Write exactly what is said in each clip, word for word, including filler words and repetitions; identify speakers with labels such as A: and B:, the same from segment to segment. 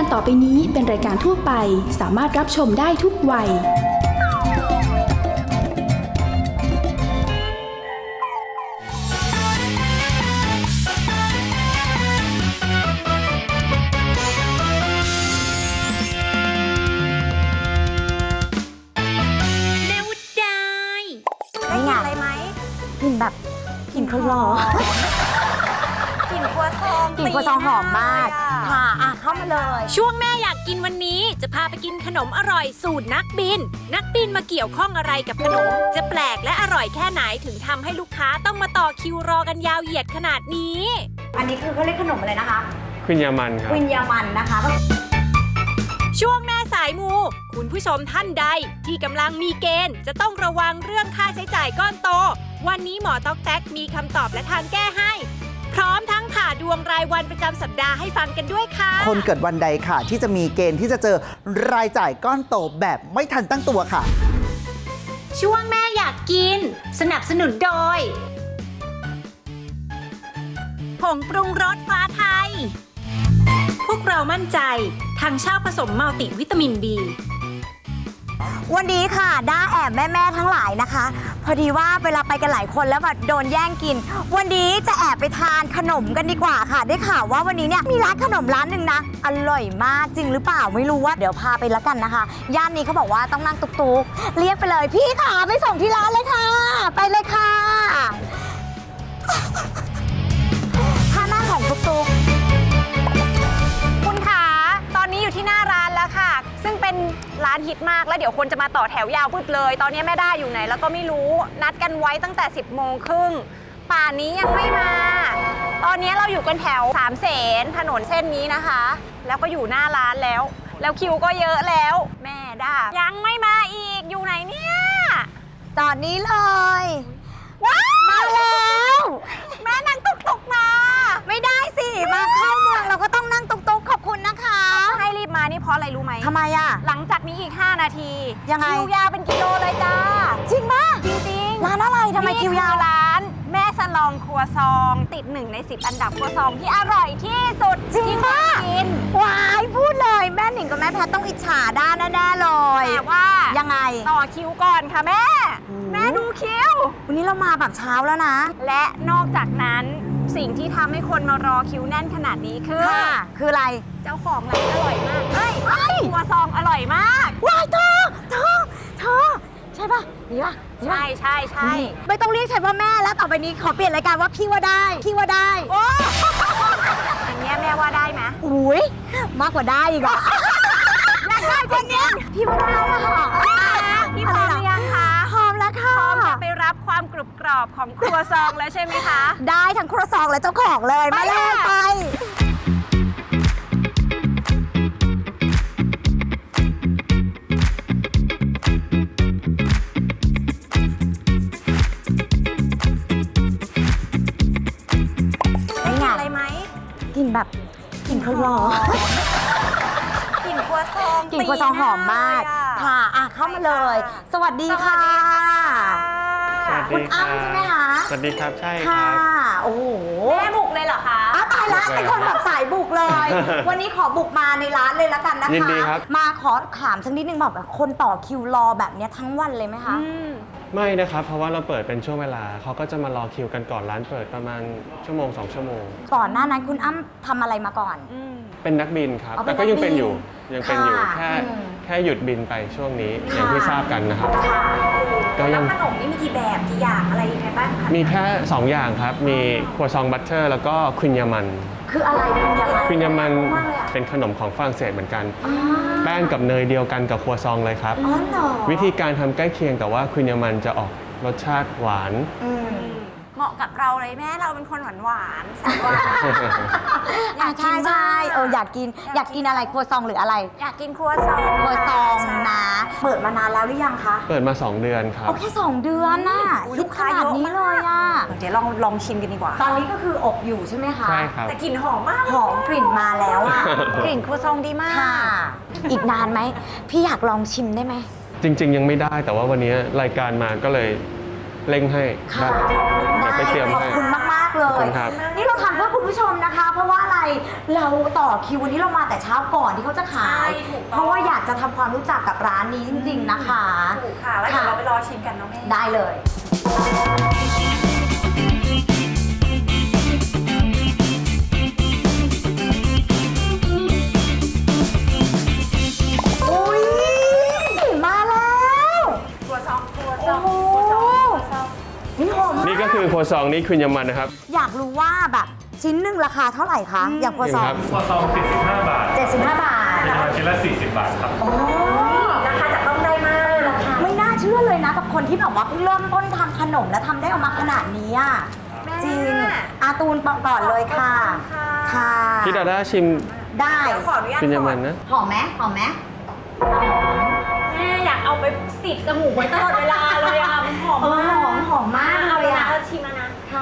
A: ต่อไปนี้เป็นรายการทั่วไปสามารถรับชมได้ทุกวัย
B: ได้กลิ่นอะไรไหมกลิ่นแบบกลิ่นครัวกลิ่นครัวซองกลิ่นครัวซองหอมมากค่ะอ่ะเข้ามาเลย
C: ช่วงแม่อยากกินวันนี้จะพาไปกินขนมอร่อยสูตรนักบินนักบินมาเกี่ยวข้องอะไรกับขนมจะแปลกและอร่อยแค่ไหนถึงทำให้ลูกค้าต้องมาต่อคิวรอกันยาวเหยียดขนาดนี้
B: อันนี้คือเขาเรียกขนมอะไรนะคะ
D: ควินยามันครับ
B: ควินยามันนะคะ
C: ช่วงแม่สายมูคุณผู้ชมท่านใดที่กำลังมีเกณฑ์จะต้องระวังเรื่องค่าใช้จ่ายก้อนโตวันนี้หมอต๊อกแต๊กมีคำตอบและทางแก้ให้พร้อมทั้งผ่าดวงรายวันประจำสัปดาห์ให้ฟังกันด้วยค่ะ
E: คนเกิดวันใดค่ะที่จะมีเกณฑ์ที่จะเจอรายจ่ายก้อนโตแบบไม่ทันตั้งตัวค่ะ
C: ช่วงแม่อยากกินสนับสนุนโดยผงปรุงรสฟ้าไทยพวกเรามั่นใจทางเช่าผสมมัลติวิตามิน บี
B: วันนี้ค่ะด้าแอบแม่ๆทั้งหลายนะคะพอดีว่าเวลาไปกันหลายคนแล้วแบบโดนแย่งกินวันนี้จะแอบไปทานขนมกันดีกว่าค่ะได้ข่าวว่าวันนี้เนี่ยมีร้านขนมร้านหนึ่งนะอร่อยมากจริงหรือเปล่าไม่รู้ว่าเดี๋ยวพาไปแล้วกันนะคะย่านนี้เขาบอกว่าต้องนั่งตุ๊กๆเรียกไปเลยพี่ค่ะไปส่งที่ร้านเลยค่ะไปเลยค่ะท่านั่งของตุ๊กๆคุณคะตอนนี้อยู่ที่หน้าร้านแล้วค่ะซึ่งเป็นร้านฮิตมากแล้วเดี๋ยวคนจะมาต่อแถวยาวพึดเลยตอนนี้แม่ด้าอยู่ไหนแล้วก็ไม่รู้นัดกันไว้ตั้งแต่สิบโมงครึ่งป่านนี้ยังไม่มาตอนนี้เราอยู่กันแถวสามเสนถนนเส้นนี้นะคะแล้วก็อยู่หน้าร้านแล้วแล้วคิวก็เยอะแล้วแม่ด้ายังไม่มาอีกอยู่ไหนเนี่ยจอดนี้เลยว้าวมาแล้วแม่นั่งตุกตุกมาไม่ได้สิมาเข้าเมืองเราก็ต้องนั่งตุกตุกขอบคุณนะคะให้รีบมานี่เพราะอะไรรู้ไหมทำไมอะหลังจากนี้อีกห้านาทียังไงคิวยาวเป็นกิโลเลยจ้าจริงมากจริงๆร้านอะไรทำไมคิวยาวร้านแม่สลองครัวซองติดหนึ่งในสิบอันดับครัวซองที่อร่อยที่สุดจริงมากกินวายพูดเลยแม่หนิงกับแม่แพทต้องอิจฉาด้านแน่ๆเลยแต่ว่ายังไงต่อคิวก่อนค่ะแม่แม่ดูคิววันนี้เรามาแบบเช้าแล้วนะและนอกจากนั้นสิ่งที่ทำให้คนมารอคิวแน่นขนาดนี้คือคืออะไรเจ้าของร้านอร่อยมากเฮ้ยครัวซองอร่อยมากว้ายเธอเธอเธอใช่ปะนี่ปะใช่ใช่ใช่ไม่ต้องเรียกฉันว่าแม่แล้วต่อไปนี้ขอเปลี่ยนรายการว่าพี่ว่าได้พี่ว่าได้โอ้อย่างเงี้ยแม่ว่าได้ไหมอุ้ยมากกว่าได้อีกอ่ะอยากได้คนเนี้ยพี่ว่าได้อะค่ะพี่พร้อมหรือยังคะพร้อมแล้วค่ะพร้อมจะไปรับความกรุบกรอบของครัวซองแล้วใช่ไหมคะได้ทั้งครัวซองและเจ้าของเลยมาเลยไปกลิ่นแบบกลิ่นครัวกลิ่นครัวซองกลิ่นครัวซองหอมมากค่ะอ่ะเข้ามาเลยสวัสดีค่ะคุณอ้ำใช่ไหมคะ
D: สวัสดีครับใช่ค
B: รั
D: บ
B: โอ้โหแม่บุกเลยเหรอคะอ้าวตายละเป็นคนแบบสายบุกเลยวันนี้ขอบุกมาในร้านเลยแล้วกันนะคะ
D: ยินดีครับ
B: มาขอถามสักนิดนึงแบบคนต่อคิวรอแบบนี้ทั้งวันเลยไหมคะ
D: ไม่นะครับเพราะว่าเราเปิดเป็นช่วงเวลาเขาก็จะมารอคิวกันก่อนร้านเปิดประมาณชั่วโมงสองชั่วโมง
B: ก่อนหน้านั้นคุณอ้ำทำอะไรมาก่อน
D: เป็นนักบินครับแต่ก็ยังเป็นอยู่ยังเป็นอยู่แค่แค่หยุดบินไปช่วงนี้อย่างที่ทราบกันนะครับ
B: ก็ยังขนมนี่มีกี่แบบกี่อย่างอะไรยังไงบ้างคะ
D: มีแค่สองอย่างครับมีครัวซองบัตเตอร์แล้วก็ควินยามัน
B: คืออะไรควินยามัน
D: ควินยามันเป็นขนมของฝรั่งเศสเหมือนกันแป้งกับเนยเดียวกันกับครัวซองเลยครับวิธีการทำใกล้เคียงแต่ว่าควินยามันจะออกรสชาติหวาน
B: เหมาะกับเราเลยแม่เราเป็นคนหวานหวานแซ่บหวานอยากกินใช่เอออยากกินอยากกินอะไรครัวซองหรืออะไรอยากกินครัวซองครัวซองนะเปิดมานานแล้วหรือยังคะ
D: เปิดมาสองเดือนครับ
B: โอเคสองเดือนน่ะลูกค้าเยอะนี้เลยอ่ะเดี๋ยวลองลองชิมกันดีกว่าตอนนี้ก็คืออบอยู่ใช่ไหมคะ
D: ใช่ครับ
B: แต่กลิ่นหอมมากหอมกลิ่นมาแล้วอ่ะกลิ่นครัวซองดีมากค่ะอีกนานไหมพี่อยากลองชิมได้ไหม
D: จริงๆยังไม่ได้แต่ว่าวันนี้รายการมาก็เลยเร่งให้ได้เดี๋ยวไปเตรียมให้
B: ขอบคุณมากๆ
F: เล
D: ขอบ
F: ย
D: คุณครับ
F: นี่เราทำเพื่อคุณผู้ชมนะคะ เพราะว่าอะไรเราต่อคิววันนี้เรามาแต่เช้าก่อนที่เขาจะขาย เพราะว่าอยากจะทำความรู้จักกับร้านนี้จริง ๆนะคะ
B: ถูกค่ะ แล้วเดี๋ยวเราไปรอชิมกันน้องแม่
F: ได้เลย อุ้ยมาแล้ว
B: ตัวซองตัวซ
F: โอ้
B: อง
F: โห
B: ตัวซองตัวซอง
F: นี่หอมมาก
D: นี่ก็คือครัวซองนี่คุณยามันนะครับ
F: อยากรู้ว่าแบบชิ้นหนึ่งราคาเท่าไหร่คะ อย่างครัวซอง
D: ครับ
G: ครัวซองสี่สิบห้าบาท
F: เจ็ดสิบห้าบาท
G: เป็นราชิ้นละสี่สิบบาทครับ
F: โอ้
B: ราคาจับต้องได้มากราคา
F: ไม่น่าเชื่อเลยนะกับคนที่แบบว่าเพิ่งเริ่มต้นทำขนมและทำได้ออกมาขนาดนี้อะจริงอาตูนปอกก่อนเลยค่ะ ค่ะ
D: พี่ดาด้าชิม
F: ได้
B: เดี๋ยวขออนุญาต
D: คุณยา
B: ก่
D: มั
B: อน น
D: นะ
F: หอมไหมหอมไหม
B: แม่อยากเอาไปติดจมูกไว้ตลอดเวลาเลยอะมันหอม
F: เออ
B: มาก
F: หอมหอมมาก
B: เอา
F: เล
B: เลย ยนะ
F: อะ
B: เราชิมแล้วนะ
F: ค่ะ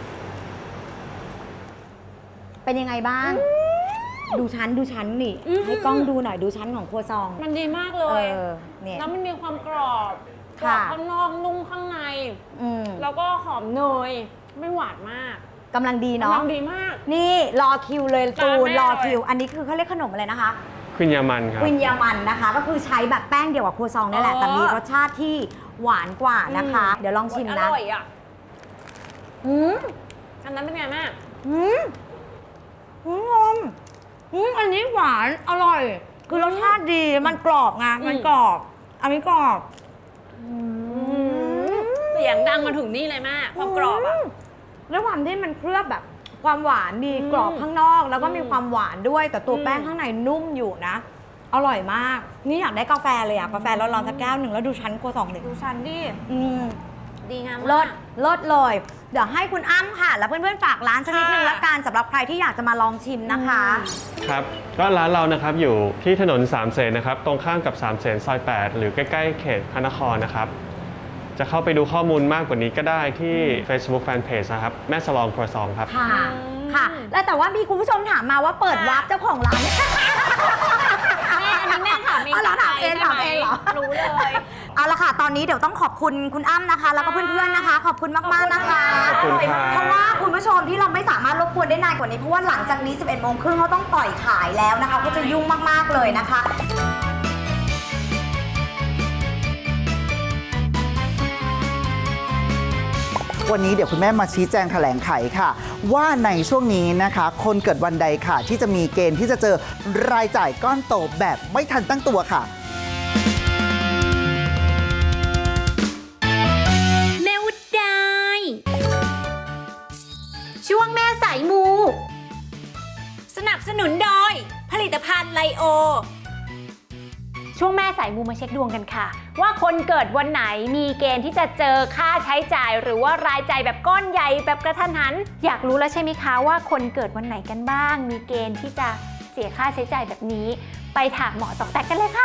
F: เป็นยังไงบ้าง ดูชั้นดูชั้นนี่ ให้กล้องดูหน่อยดูชั้นของครัวซอง
B: มันดีมากเล
F: เอย อเนี่ย
B: แล้วมันมีความกรอบกรอ
F: ค่ะ
B: บข้างนอกนุ่มข้างใน
F: อืม
B: แล้วก็หอมเนย ไม่หวานมาก
F: กำลังดี
B: กำ
F: เนาะ
B: ลังดีมาก
F: นี่รอคิวเลย
B: จาน
F: ตูน
B: แม่
F: รอ
B: เลย
F: คิว อันนี้คือเขาเรียกขนมอะไรนะคะ
D: คุณยามันครับ
F: ควินยามันนะคะ ก็คือใช้แบบแป้งเดียวกับครัวซองนี่แหละ
B: เออ
F: แต่มีรสชาติที่หวานกว่านะคะ เดี๋ยวลองชิม
B: อ
F: นะ
B: ร่อยอ่ะ
F: อืม
B: อันนั้นเป็นไงแม่
F: อืมอืมงมอืมอันนี้หวานอร่อย คือรสชาติดีมันกรอบไงมันกรอบ อันนี้กรอบอืม
B: เสียงดังมาถึงนี่เลยแม่ความกรอบอ่ะ
F: มแล้วความที่มันเคลือบแบบความหวานมี
B: อืม
F: กรอบข้างนอก แล้วก็มี
B: อืม
F: ความหวานด้วย แต่ตัว
B: อืม
F: แป้งข้างในนุ่มอยู่นะ อร่อยมาก นี่อยากได้กาแฟเลยอะกาแฟร้อนๆสักแก้วหนึ่งแล้วดูชั้นครัวซองหนึ่ง
B: ดูชันดิ
F: อืม
B: ดีงาม
F: เลิ
B: มา
F: ศ
B: ก
F: เลิศเลย เดี๋ยวให้คุณอ้ำค่ะ แล้วเพื่อนๆฝากร้านสักนิดนึง
B: ค่ะ
F: ละกันสำหรับใครที่อยากจะมาลองชิมนะคะ
D: ครับ ก็ร้านเรานะครับอยู่ที่ถนนสามเสนนะครับ ตรงข้ามกับสามเสนซอยแปดหรือใกล้ๆเขตพระนครนะครับ จะเข้าไปดูข้อมูลมากกว่านี้ก็ได้ที่ Facebook Fanpage นะครับ แม่สลองครัวซองครับ
F: ค่ะ
B: อืม
F: ค่ะ แล้วแต่ว่ามีคุณผู้ชมถามมาว่าเปิดวาร์ปเจ้าของร้าน
B: แม่อันนี้แม่ถามเอง
F: อ๋อเหรอถามเอง
B: ใช่ไห
F: ถามเองเหรอ
B: รู้เลย
F: เอาละค่ะ ตอนนี้เดี๋ยวต้องขอบคุณคุณอ้ำนะคะ แล้วก็เพื่อนๆนะคะ ขอบคุณมากๆนะคะ
D: ขอบคุณครับ
F: เพราะว่าคุณผู้ชมที่เราไม่สามารถรบกวนได้นานกว่านี้ เพราะว่าหลังจากนี้ สิบเอ็ดโมงครึ่งเขาต้องปล่อยขายแล้วนะคะ ก็จะยุ่งมากๆเลยนะคะ
E: วันนี้เดี๋ยวคุณแม่มาชี้แจงแถลงไขค่ะ ว่าในช่วงนี้นะคะ คนเกิดวันใดค่ะ ที่จะมีเกณฑ์ที่จะเจอรายจ่ายก้อนโตแบบไม่ทันตั้งตัวค่ะ
C: แม่วุฒได้ ช่วงแม่สายมู สนับสนุนโดย ผลิตภัณฑ์ไลโอ
B: ช่วงแม่สายมูมาเช็คดวงกันค่ะ ว่าคนเกิดวันไหนมีเกณฑ์ที่จะเจอค่าใช้จ่าย หรือว่ารายจ่ายแบบก้อนใหญ่แบบกระทันหัน อยากรู้แล้วใช่ไหมคะว่าคนเกิดวันไหนกันบ้าง มีเกณฑ์ที่จะเสียค่าใช้จ่ายแบบนี้ ไปถามหมอตอกแตกกันเลยค่ะ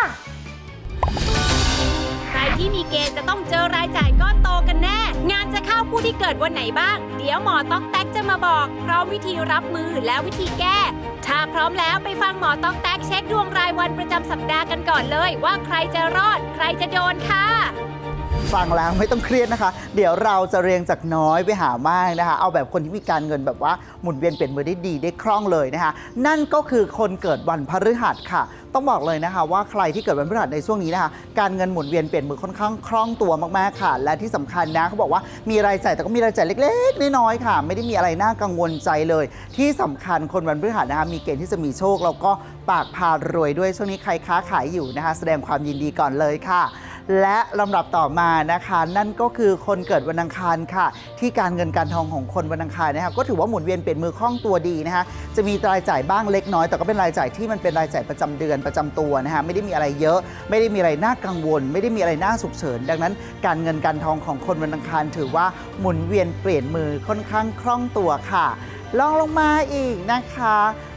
C: ใครที่มีเกณฑ์จะต้องเจอรายจ่ายก้อนโตกันแน่ งานจะเข้าผู้ที่เกิดวันไหนบ้าง เดี๋ยวหมอต๊อกแต๊กจะมาบอก พร้อมวิธีรับมือและวิธีแก้ ถ้าพร้อมแล้วไปฟังหมอต๊อกแต๊กเช็คดวงรายวันประจำสัปดาห์กันก่อนเลย ว่าใครจะรอด ใครจะโดนค่ะ
E: ฟังแล้วไม่ต้องเครียดนะคะ เดี๋ยวเราจะเรียงจากน้อยไปหามากนะคะ เอาแบบคนที่มีการเงินแบบว่าหมุนเวียนเปลี่ยนมือได้ดีได้คล่องเลยนะคะ นั่นก็คือคนเกิดวันพฤหัสค่ะ ต้องบอกเลยนะคะว่าใครที่เกิดวันพฤหัสในช่วงนี้นะคะ การเงินหมุนเวียนเปลี่ยนมือค่อนข้างคล่องตัวมากๆค่ะ และที่สำคัญนะเขาบอกว่ามีรายจ่ายแต่ก็มีรายจ่ายเล็กๆน้อยๆค่ะ ไม่ได้มีอะไรน่ากังวลใจเลย ที่สำคัญคนวันพฤหัสนะคะมีเกณฑ์ที่จะมีโชคแล้วก็ปากพารวยด้วยช่วงนี้ใครค้าขายอยู่นะคะ แสดงความยินดีก่อนเลยค่ะ และลำดับต่อมานะคะนั่นก็คือคนเกิดวันอังคารค่ะ ที่การเงินการทองของคนวันอังคารนะคะก็ถือว่าหมุนเวียนเปลี่ยนมือคล่องตัวดีนะคะจะมีรายจ่ายบ้างเล็กน้อยแต่ก็เป็นรายจ่ายที่มันเป็นรายจ่ายประจำเดือนประจำตัวนะคะไม่ได้มีอะไรเยอะ ไม่ได้มีอะไรน่ากังวล ไม่ได้มีอะไรน่าฉุกเฉินดังนั้น การเงินการทองของคนวันอังคารถือว่าหมุนเวียนเปลี่ยนมือค่อนข้างคล่องตัวค่ะลองลงมาอีกนะคะ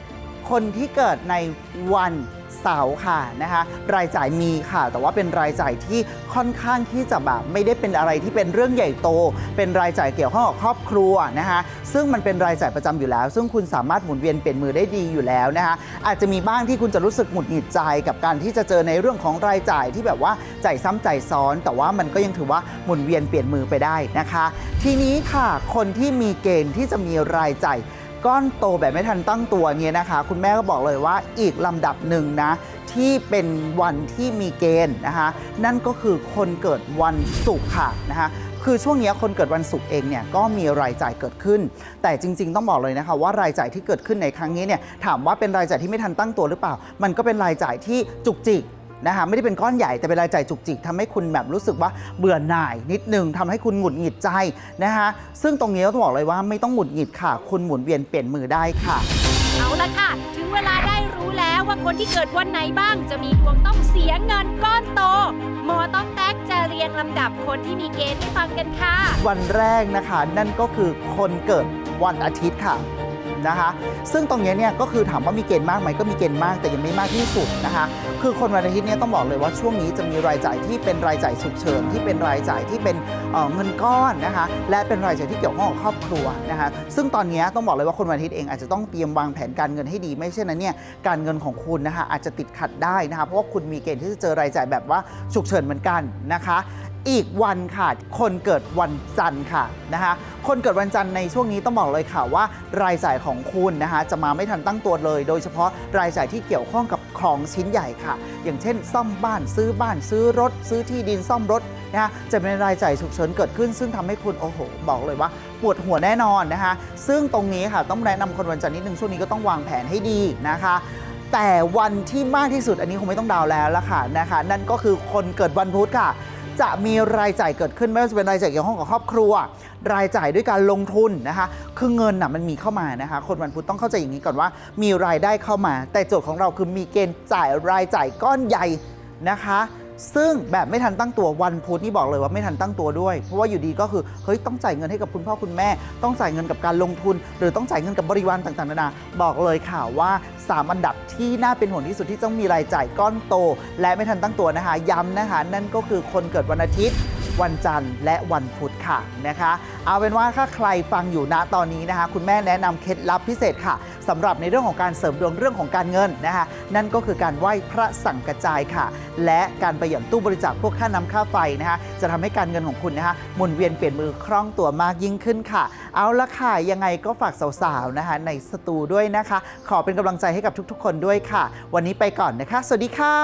E: คนที่เกิดในวันเสาร์ค่ะนะคะรายจ่ายมีค่ะแต่ว่าเป็นรายจ่ายที่ค่อนข้างที่จะแบบไม่ได้เป็นอะไรที่เป็นเรื่องใหญ่โตเป็นรายจ่ายเกี่ยวข้องกับครอบครัวนะคะซึ่งมันเป็นรายจ่ายประจำอยู่แล้วซึ่งคุณสามารถหมุนเวียนเปลี่ยนมือได้ดีอยู่แล้วนะคะอาจจะมีบ้างที่คุณจะรู้สึกหงุดหงิดใจกับการที่จะเจอในเรื่องของรายจ่ายที่แบบว่าจ่ายซ้ำจ่ายซ้อนแต่ว่ามันก็ยังถือว่าหมุนเวียนเปลี่ยนมือไปได้นะคะทีนี้ค่ะคนที่มีเกณฑ์ที่จะมีรายจ่ายก้อนโตแบบไม่ทันตั้งตัวเนี่ยนะคะคุณแม่ก็บอกเลยว่าอีกลำดับหนึ่งนะที่เป็นวันที่มีเกณฑ์นะคะนั่นก็คือคนเกิดวันศุกร์ค่ะนะคะคือช่วงนี้คนเกิดวันศุกร์เองเนี่ยก็มีรายจ่ายเกิดขึ้นแต่จริงๆต้องบอกเลยนะคะว่ารายจ่ายที่เกิดขึ้นในครั้งนี้เนี่ยถามว่าเป็นรายจ่ายที่ไม่ทันตั้งตัวหรือเปล่ามันก็เป็นรายจ่ายที่จุกจิกนะคะไม่ได้เป็นก้อนใหญ่แต่เป็นรายจ่ายจุกจิกทำให้คุณแบบรู้สึกว่าเบื่อหน่ายนิดนึงทำให้คุณหงุดหงิดใจนะคะซึ่งตรงนี้ต้องบอกเลยว่าไม่ต้องหงุดหงิดค่ะคุณหมุนเวียนเปลี่ยนมือได้ค่ะ
C: เอาละค่ะถึงเวลาได้รู้แล้วว่าคนที่เกิดวันไหนบ้างจะมีดวงต้องเสียเงินก้อนโตหมอต้องแตกจะเรียงลำดับคนที่มีเกณฑ์ให้ฟังกันค่ะ
E: วันแรกนะคะนั่นก็คือคนเกิดวันอาทิตย์ค่ะนะคะซึ่งตรงนี้เนี่ยก็คือถามว่ามีเกณฑ์มากไหมก็มีเกณฑ์มากแต่ยังไม่มากที่สุดนะคะคือคนวันอาทิตย์เนี่ยต้องบอกเลยว่าช่วงนี้จะมีรายจ่ายที่เป็นรายจ่ายฉุกเฉินที่เป็นรายจ่ายที่เป็น เอ่อ เงินก้อนนะคะและเป็นรายจ่ายที่เกี่ยวข้องกับครอบครัวนะคะซึ่งตอนนี้ต้องบอกเลยว่าคนวันอาทิตย์เองอาจจะต้องเตรียมวางแผนการเงินให้ดีไม่เช่นนั้นเนี่ยการเงินของคุณนะคะอาจจะติดขัดได้นะคะเพราะว่าคุณมีเกณฑ์ที่จะเจอรายจ่ายแบบว่าฉุกเฉินเหมือนกันนะคะอีกวันค่ะคนเกิดวันจันทร์ค่ะนะคะคนเกิดวันจันทร์ในช่วงนี้ต้องบอกเลยค่ะว่ารายจ่ายของคุณนะคะจะมาไม่ทันตั้งตัวเลยโดยเฉพาะรายจ่ายที่เกี่ยวข้องกับของชิ้นใหญ่ค่ะอย่างเช่นซ่อมบ้านซื้อบ้านซื้อรถซื้อที่ดินซ่อมรถนะคะจะเป็นรายจ่ายฉุกเฉินเกิดขึ้นซึ่งทำให้คุณโอ้โหบอกเลยว่าปวดหัวแน่นอนนะคะซึ่งตรงนี้ค่ะต้องแนะนำคนวันจันทร์นิดนึงช่วงนี้ก็ต้องวางแผนให้ดีนะคะแต่วันที่มากที่สุดอันนี้คงไม่ต้องเดาแล้วละค่ะนะคะนั่นก็คือคนเกิดวันพุธค่ะจะมีรายจ่ายเกิดขึ้นไม่ว่าจะเป็นรายจ่ายเกี่ยวข้องกับครอบครัวรายจ่ายด้วยการลงทุนนะคะคือเงินน่ะมันมีเข้ามานะคะคนวันพุธต้องเข้าใจอย่างนี้ก่อนว่ามีรายได้เข้ามาแต่โจทย์ของเราคือมีเกณฑ์จ่ายรายจ่ายก้อนใหญ่นะคะซึ่งแบบไม่ทันตั้งตัววันพุธนี่บอกเลยว่าไม่ทันตั้งตัวด้วยเพราะว่าอยู่ดีก็คือเฮ้ยต้องจ่ายเงินให้กับคุณพ่อคุณแม่ต้องจ่ายเงินกับการลงทุนหรือต้องจ่ายเงินกับบริวารต่างๆนานาบอกเลยค่ะว่าสามอันดับที่น่าเป็นห่วงที่สุดที่ต้องมีรายจ่ายก้อนโตและไม่ทันตั้งตัวนะคะย้ำนะคะนั่นก็คือคนเกิดวันอาทิตย์วันจันทร์และวันพุธค่ะนะคะเอาเป็นว่าถ้าใครฟังอยู่ณตอนนี้นะคะคุณแม่แนะนำเคล็ดลับพิเศษค่ะสำหรับในเรื่องของการเสริมดวงเรื่องของการเงินนะคะนั่นก็คือการไหว้พระสังกจายค่ะและการไปหย่อนตู้บริจาคพวกค่าน้ำค่าไฟนะคะจะทำให้การเงินของคุณนะคะหมุนเวียนเปลี่ยนมือคล่องตัวมากยิ่งขึ้นค่ะเอาละค่ะยังไงก็ฝากสาวๆนะคะในสตูด้วยนะคะขอเป็นกำลังใจให้กับทุกๆคนด้วยค่ะวันนี้ไปก่อนนะคะสวัสดีค่ะ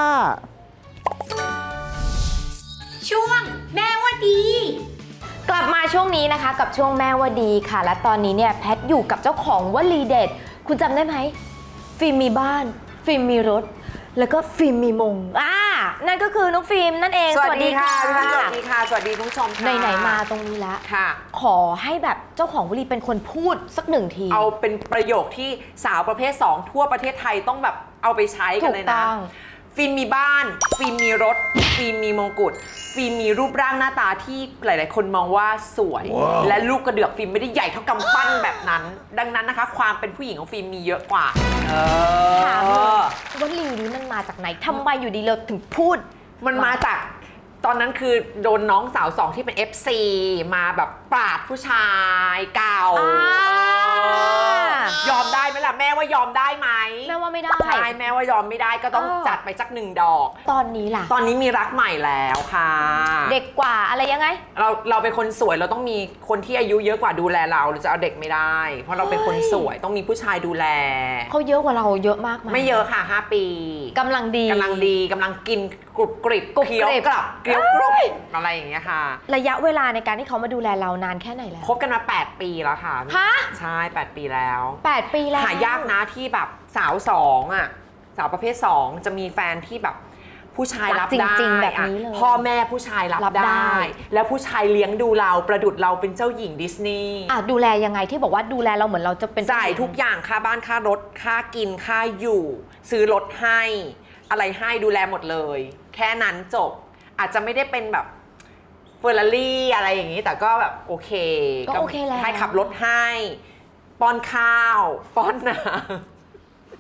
C: ช่วงแม่ว่าดี
H: กลับมาช่วงนี้นะคะกับช่วงแม่ว่าดีค่ะและตอนนี้เนี่ยแพทอยู่กับเจ้าของวลีเด็ดคุณจำได้ไหมฟิล์มมีบ้านฟิล์มมีรถแล้วก็ฟิล์มมีมงอ่านั่นก็คือน้องฟิล์มนั่นเอง
I: สวัสดีค่ะสวัสดีค่ะสวัสดีคุณผู้ชมค่ะ
H: ไหนๆมาตรงนี้แล้ว
I: ค่ะ
H: ขอให้แบบเจ้าของวลีเป็นคนพูดสักหนึ่งที
I: เอาเป็นประโยคที่สาวประเภทสองทั่วประเทศไทยต้องแบบเอาไปใช้กันเลยนะฟิล์มมีบ้านฟิล์มมีรถฟิล์มมีมงกุฎฟิล์มมีรูปร่างหน้าตาที่หลายๆคนมองว่าสวย wow. และลูกกระเดือกฟิล์มไม่ได้ใหญ่เท่ากำปั้นแบบนั้นดังนั้นนะคะความเป็นผู้หญิงของฟิล์มมีเยอะกว่าเออ
H: ถามวลีนี้มันมาจากไหนทำไมอยู่ดีเราถึงพูด
I: มันมาจากตอนนั้นคือโดนน้องสาวสองที่เป็น เอฟ ซี มาแบบปราดผู้ชายเก่ายอมได้ไหมล่ะแม่ว่ายอมได้ไหม
H: แม่ว่าไม่ได้
I: ใช่แม่ว่ายอมไม่ได้ก็ต้องจัดไปสักหนึ่งดอก
H: ตอนนี้ล่ะ
I: ตอนนี้มีรักใหม่แล้วค่ะ
H: เด็กกว่าอะไรยังไง
I: เราเราเป็นคนสวยเราต้องมีคนที่อายุเยอะกว่าดูแลเราเราจะเอาเด็กไม่ได้เพราะเราเป็นคนสวยต้องมีผู้ชายดูแล
H: เขาเยอะกว่าเราเยอะมากไหม
I: ไม่เยอะค่ะห้าปี
H: กำลังดี
I: กำลังดีกำลังกินกรุบกริบเคี้ยวกลับเคี้ยวกรุบอะไรอย่างเงี้ยค่ะ
H: ระยะเวลาในการที่เขามาดูแลเรานานแค่ไหนแล้ว
I: คบกันมาแปดปีแล้วค่ะ
H: ฮะ
I: ใช่แปดปีแล้ว
H: แปดปีแล้ว
I: หายากนะที่แบบสาวสองอ่ะสาวประเภทสองจะมีแฟนที่แบบผู้ชายรับได้
H: จริงๆแบบนี้เลย
I: พ่อแม่ผู้ชายรับได้แล้วผู้ชายเลี้ยงดูเราประดุจเราเป็นเจ้าหญิงดิสนีย์
H: อ่ะดูแลยังไงที่บอกว่าดูแลเราเหมือนเราจะเป็น
I: จ่ายทุกอย่างค่าบ้านค่ารถค่ากินค่าอยู่ซื้อรถให้อะไรให้ดูแลหมดเลยแค่นั้นจบอาจจะไม่ได้เป็นแบบเฟอร์รารี่อะไรอย่างนี้แต่ก็แบบโอเค
H: ก็โอเคแล้ว
I: ให้ขับรถให้ป้อนข้าวป้อนน้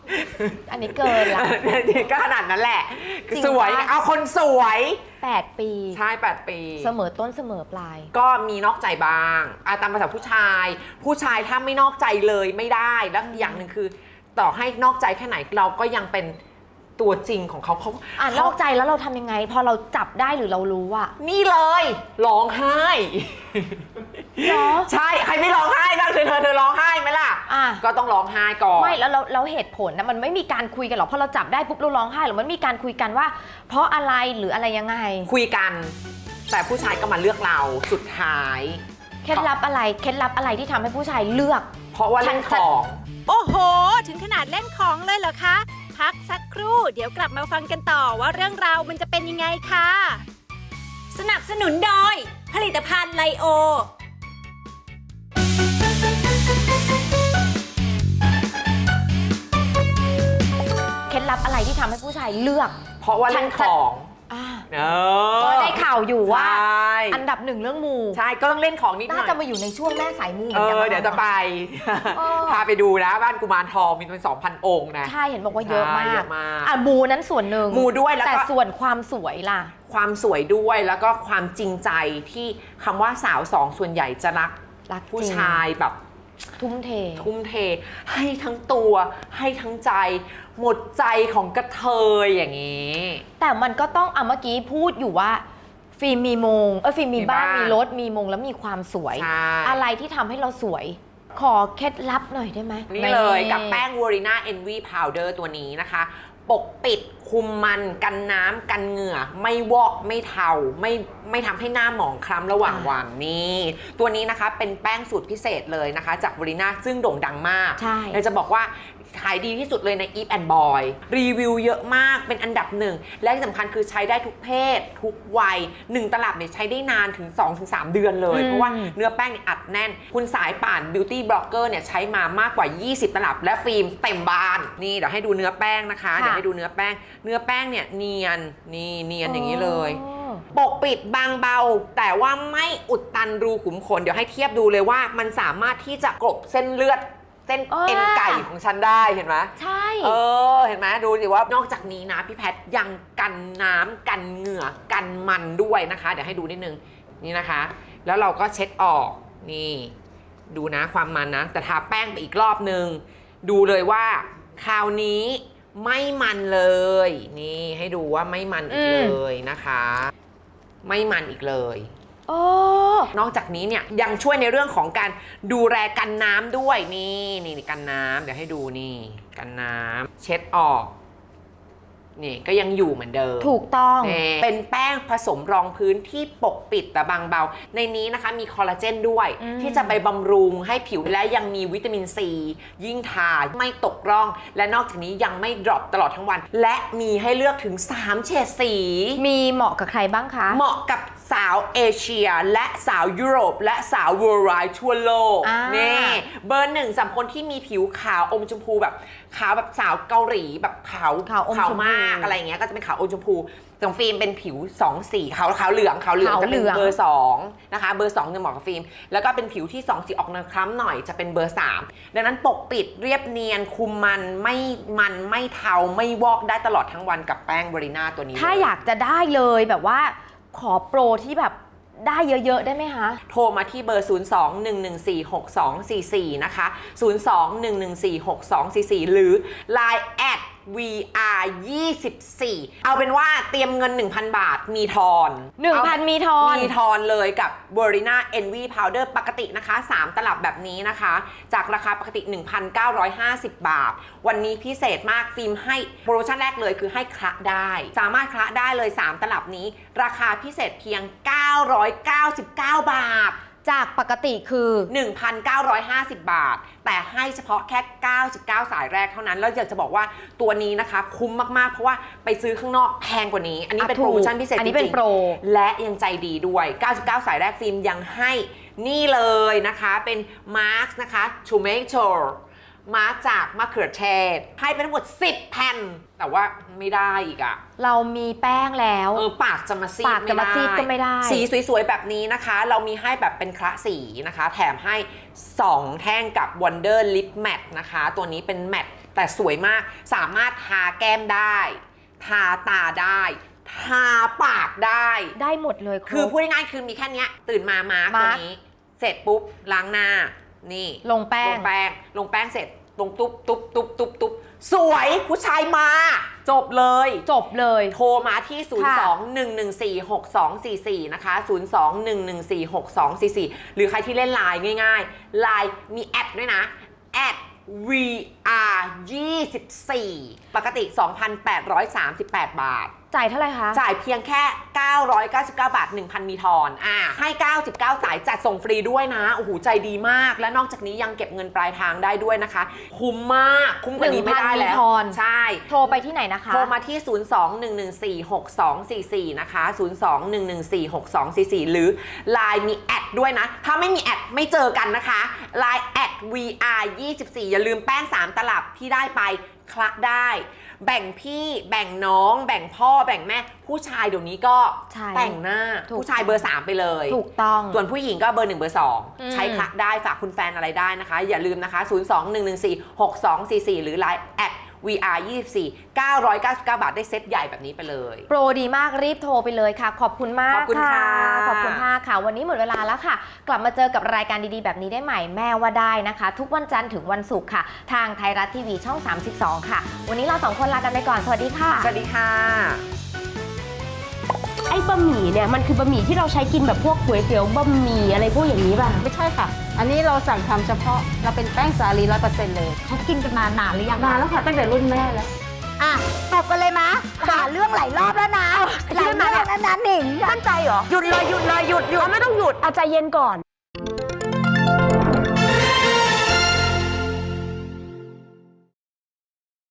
H: อันนี้เกินละ
I: ก็ขนาดนั้นแหละ
H: จริง
I: สวย
H: ปะ
I: เอาคนสวย
H: แปด ปี
I: ใช่แปดปี
H: เสมอต้นเสมอปลาย
I: ก็มีนอกใจบ้างอาตามภาษาผู้ชาย ผู้ชายถ้าไม่นอกใจเลยไม่ได้แล้วอย่างหนึ่งคือ ต่อให้นอกใจแค่ไหนเราก็ยังเป็นตัวจริงของเขาเขา
H: อ่ะนอกใจแล้วเราทำยังไง พอเราจับได้หรือเรารู้อะ
I: นี่เลยร้องไห้
H: เหรอ
I: ใช่ใครไม่ร้องไห้บ้างเธอเธอเธอร้องไห้ไหมล่ะ
H: อ่ะ
I: ก็ต้องร้องไห้ก่อน
H: ไม่แล้วเราเราเหตุผลนะมันไม่มีการคุยกันหรอกพอเราจับได้ปุ๊บเราร้องไห้หรือมันมีการคุยกันว่า เพราะอะไรหรืออะไรยังไง
I: คุยกัน แต่ผู้ชายก็มาเลือกเราสุดท้าย
H: เคล็ดลับอะไรเคล็ดลับอะไรที่ทำให้ผู้ชายเลือก
I: เพราะว่าเล่นของ
C: โอ้โห ถึงขนาดเล่นของเลยเหรอคะ พักสักครู่ เดี๋ยวกลับมาฟังกันต่อว่าเรื่องราวมันจะเป็นยังไงค่ะ สนับสนุนโดย ผลิตภัณฑ์ไลโอ
H: เคล็ดลับอะไรที่ทำให้ผู้ชายเลือก
I: เพราะว่าเล่นของ
H: อ่า
I: เออ
H: ก็ได้ข่าวอยู่ว่า
I: ใช่
H: อันดับหนึ่งเรื่องมู
I: ใช่ก็ต้องเล่นของนิดหน่
H: น่า
I: อย
H: จะมาอยู่ในช่วงแม่สายมูเห
I: เอ
H: มือนกัน
I: อ
H: นะ
I: เดี๋ยวจะไป
H: เออ
I: พาไปดูนะบ้านกุมารทองมีเป็น สองพัน องค์นะ
H: ใช่เห็นบอกว่าเยอะมา
I: ใช่เย
H: ก
I: อะมาก
H: อ่ะมูนั้นส่วนหนึ่ง
I: มูด้วยแล้วก็
H: แต่ส่วนความสวยล่ะ
I: ความสวยด้วยแล้วก็ความจริงใจที่คำว่าสาวสองส่วนใหญ่จะรัก
H: รักจริง
I: ผู้ชายแบบ
H: ทุ่มเท
I: ทุ่มเทให้ทั้งตัวให้ทั้งใจ หมดใจของกระเทยอย่างนี้
H: แต่มันก็ต้องอ่ะเมื่อกี้พูดอยู่ว่า ฟิล์มมีมงเออฟิล์มมี
I: มี
H: บ้าน
I: บ้าน
H: มีรถมีมงแล้วมีความสวย
I: ใช่
H: อะไรที่ทำให้เราสวย ขอเคล็ดลับหน่อยได้ไหม
I: นี่เลยกับแป้ง Warina Envy Powder ตัวนี้นะคะ ปกปิดคุมมันกันน้ำกันเหงื่อ ไม่วอกไม่เทาไม่ไม่ทำให้หน้าหมองคล้ำระหว่างวันนี่ตัวนี้นะคะเป็นแป้งสูตรพิเศษเลยนะคะ จาก Warina ซึ่งโด่งดังมาก
H: ใช่
I: เราจะบอกว่าขายดีที่สุดเลยใน Eve and Boy รีวิวเยอะมากเป็นอันดับหนึ่งและที่สำคัญคือใช้ได้ทุกเพศ ทุกวัยหนึ่งตลับเนี่ยใช้ได้นานถึง สองถึงสาม เดือนเลย เพราะว่าเนื้อแป้งเนี่ยอัดแน่น คุณสายป่าน Beauty Blogger เนี่ยใช้มามากกว่า ยี่สิบ ตลับ และฟิล์มเต็มบานนี่เดี๋ยวให้ดูเนื้อแป้งนะคะเดี๋ยวให้ดูเนื้อแป้ง เนื้อแป้งเนี่ยเนียนนี่เนียนอย่างนี้เลย ปกปิดบางเบา แต่ว่าไม่อุดตันรูขุมขนเดี๋ยวให้เทียบดูเลยว่ามันสามารถที่จะกลบเส้นเลือดเส้น
H: เออ
I: เอ็นไก่ของฉันได้เห็นไหม
H: ใช่
I: เออเห็นไหมดูสิว่านอกจากนี้นะพี่แพทยังกันน้ำกันเหงื่อกันมันด้วยนะคะ เดี๋ยวให้ดูนิดนึงนี่นะคะ แล้วเราก็เช็ดออกนี่ดูนะความมันนะแต่ทาแป้งไปอีกรอบนึงดูเลยว่าคราวนี้ไม่มันเลยนี่ให้ดูว่าไม่มันอีกเลยนะคะ ไม่มันอีกเลย
H: โอ้
I: นอกจากนี้เนี่ยยังช่วยในเรื่องของการดูแลกันน้ำด้วยนี่นี่กันน้ำเดี๋ยวให้ดูนี่กันน้ำเช็ดออกนี่ก็ยังอยู่เหมือนเดิม
H: ถูกต้อง
I: นี่เป็นแป้งผสมรองพื้นที่ปกปิดแต่บางเบา ในนี้นะคะมีคอลลาเจนด้วย
H: อืม
I: ที่จะไปบำรุงให้ผิวและยังมีวิตามินซียิ่งทาไม่ตกร่อง และนอกจากนี้ยังไม่ดรอปตลอดทั้งวัน และมีให้เลือกถึงสามเฉดสี
H: มีเหมาะกับใครบ้างคะ
I: เหมาะกับสาวเอเชียและสาวยุโรปและสาว worldwide ทั่วโลก
H: อ่า
I: นี่เบอร์หนึ่งสำหรับคนที่มีผิวขาวอมชมพูแบบขาวแบบสาวเกาหลีแบบขาว
H: ขาวอมชมพู
I: มากอะไรอย่างเงี้ยก็จะเป็นขาวอมชมพูของฟิล์มเป็นผิวสองสีขาวขาวเหลืองขาวเหลือง
H: ขาว
I: จะเป็น
H: เหลือง
I: เบอร์สองนะคะเบอร์สองจะเหมาะกับฟิล์มแล้วก็เป็นผิวที่สองสีออกแนวคล้ำหน่อยจะเป็นเบอร์สามดังนั้นปกปิดเรียบเนียนคุมมันไม่มันไม่เทาไม่วอกได้ตลอดทั้งวันกับแป้งบริน่าตัวนี้
H: ถ้า
I: เลย
H: อยากจะได้เลยแบบว่าขอโปรที่แบบได้เยอะๆได้ไหมคะ
I: โทรมาที่เบอร์ ศูนย์ สอง หนึ่ง หนึ่ง สี่ หก สอง สี่ สี่ นะคะ ศูนย์ สอง หนึ่ง หนึ่ง สี่ หก สอง สี่ สี่ หรือ ไลน์ แอท วี อาร์ ยี่สิบสี่ เอาเป็นว่าเตรียมเงิน หนึ่งพัน บาทมีทอน
H: หนึ่งพัน
I: เอา
H: มีทอน
I: มีทอนเลยกับ Warina Envy Powder ปกตินะคะ สาม ตลับแบบนี้นะคะ จากราคาปกติ หนึ่งพันเก้าร้อยห้าสิบ บาท วันนี้พิเศษมากฟิล์มให้โปรโมชั่นแรกเลยคือให้คละได้ สามารถคละได้เลย สาม ตลับนี้ ราคาพิเศษเพียง เก้าร้อยเก้าสิบเก้า บาท
H: จากปกติคือ
I: หนึ่งพันเก้าร้อยห้าสิบ บาท แต่ให้เฉพาะแค่เก้าสิบเก้าสายแรกเท่านั้นแล้วอยากจะบอกว่าตัวนี้นะคะคุ้มมากๆเพราะว่าไปซื้อข้างนอกแพงกว่านี้อันนี้เป็น
H: อ่ะถู
I: โป
H: ก
I: รโมชั่นพิเศษ
H: อัน
I: จ
H: นี้เป็
I: ริ
H: น
I: ง
H: โปร
I: ๆและยังใจดีด้วยเก้าสิบเก้าสายแรกฟิล์มยังให้นี่เลยนะคะเป็นมาร์กนะคะ tomato มาจากมะเขือเทศให้เป็นทั้งหมดสิบแผ่นแต่ว่าไม่ได้อีกอะ
H: เรามีแป้งแล้ว
I: เออปากจะมาซีด
H: ปากจะมาซีดก็ไม่ได้
I: สีสวยๆแบบนี้นะคะ เรามีให้แบบเป็นคละสีนะคะ แถมให้สองแท่งกับ Wonder Lip Matte นะคะ ตัวนี้เป็นแมตต์แต่สวยมากสามารถทาแก้มได้ทาตาได้ทาปากได้
H: ได้หมดเลยรบ
I: คือพูดง่ายๆคือมีแค่เนี้ยตื่นมามาร์กตัวนี้ เสร็จปุ๊บล้างหน้านี่
H: ลงแป้
I: ล
H: ง
I: งแป้งลงแป้งเสร็จลงตุ๊บตุ๊บตุ๊บตุ๊บตุ๊บสวยผู้ชายมา จบเลย
H: จบเลย
I: โทรมาที่ ศูนย์ สอง หนึ่ง หนึ่ง สี่ หก สอง สี่ สี่ นะคะ ศูนย์ สอง หนึ่ง หนึ่ง สี่ หก สอง สี่ สี่ หรือใครที่เล่นไลน์ง่ายๆไลน์มีแอดด้วยนะแอด วี อาร์ ยี่สิบสี่ ปกติ สองพันแปดร้อยสามสิบแปด บาท
H: จ่ายเท่าไหร่คะ
I: จ่ายเพียงแค่ เก้าร้อยเก้าสิบเก้า บาท หนึ่งพัน มีทอนอ่าให้ เก้าสิบเก้า สายจัดส่งฟรีด้วยนะ โอ้โห ใจดีมาก และนอกจากนี้ยังเก็บเงินปลายทางได้ด้วยนะคะ คุ้มมาก คุ้มกว่านี้ไม่ได้แล้ว
H: หนึ่งพัน มีทอน
I: ใช่
H: โทรไปที่ไหนนะคะ
I: โทรมาที่ ศูนย์ สอง หนึ่ง หนึ่ง สี่ หก สอง สี่ สี่ นะคะ ศูนย์ สอง หนึ่ง หนึ่ง สี่ หก สอง สี่ สี่ หรือ ไลน์ มีแอดด้วยนะ ถ้าไม่มีแอดไม่เจอกันนะคะ ไลน์ แอด วี อาร์ ยี่สิบสี่ อย่าลืมแป้งสามตลับที่ได้ไปคละได้ แบ่งพี่แบ่งน้อง แบ่งพ่อแบ่งแม่ผู้ชายเดี๋ยวนี้ก็
H: ใช่
I: แต่งหน้า
H: ถูก
I: ผู้ชายเบอร์สามไปเลย
H: ถูกต้อง
I: ส่วนผู้หญิงก็เบอร์หนึ่งเบอร์สอง
H: อืม
I: ใช้คละได้ฝากคุณแฟนอะไรได้นะคะ อย่าลืมนะคะ ศูนย์ สอง หนึ่ง หนึ่ง สี่ หก สอง สี่ สี่ หรือ ไลน์ แอด วี อาร์ ยี่สิบสี่ เก้าร้อยเก้าสิบเก้า บาทได้เซตใหญ่แบบนี้ไปเลย
H: โปรดีมากรีบโทรไปเลยค่ะ ขอบคุณมาก
I: ขอบคุณค่ะ
H: ขอบคุณมากค่ะ วันนี้หมดเวลาแล้วค่ะ กลับมาเจอกับรายการดีๆแบบนี้ได้ใหม่แม่ว่าได้นะคะ ทุกวันจันทร์ถึงวันศุกร์ค่ะ ทางไทยรัฐทีวีช่อง สามสิบสอง ค่ะ วันนี้เราสองคนลากันไปก่อนสวัสดีค่ะ
I: สวัสดีค่ะ
J: ไอ้บะหมี่เนี่ยมันคือบะหมี่ที่เราใช้กินแบบพวกก๋วยเตี๋ยวบะหมี่อะไรพวกอย่างนี้ป่ะ
K: ไม่ใช่ค่ะ อันนี้เราสั่งทำเฉพาะ เราเป็นแป้งสาลีร้อยเปอร์เซ็นต์เลย
F: เขากินกันมานานหรือยัง
K: นานแล้วค่ะ ตั้งแต่รุ่นแม่แล้ว
F: อ่ะตอบกันเลยมะหาเรื่องหลายรอบแล้วนะหลายเรื่องแล้วนะหนิง
J: มั่นใจเหรอ
F: หยุดเลยหยุดเลยหยุดหยุด
J: ไม่ต้องหยุดอาใจเย็นก่อน
F: เ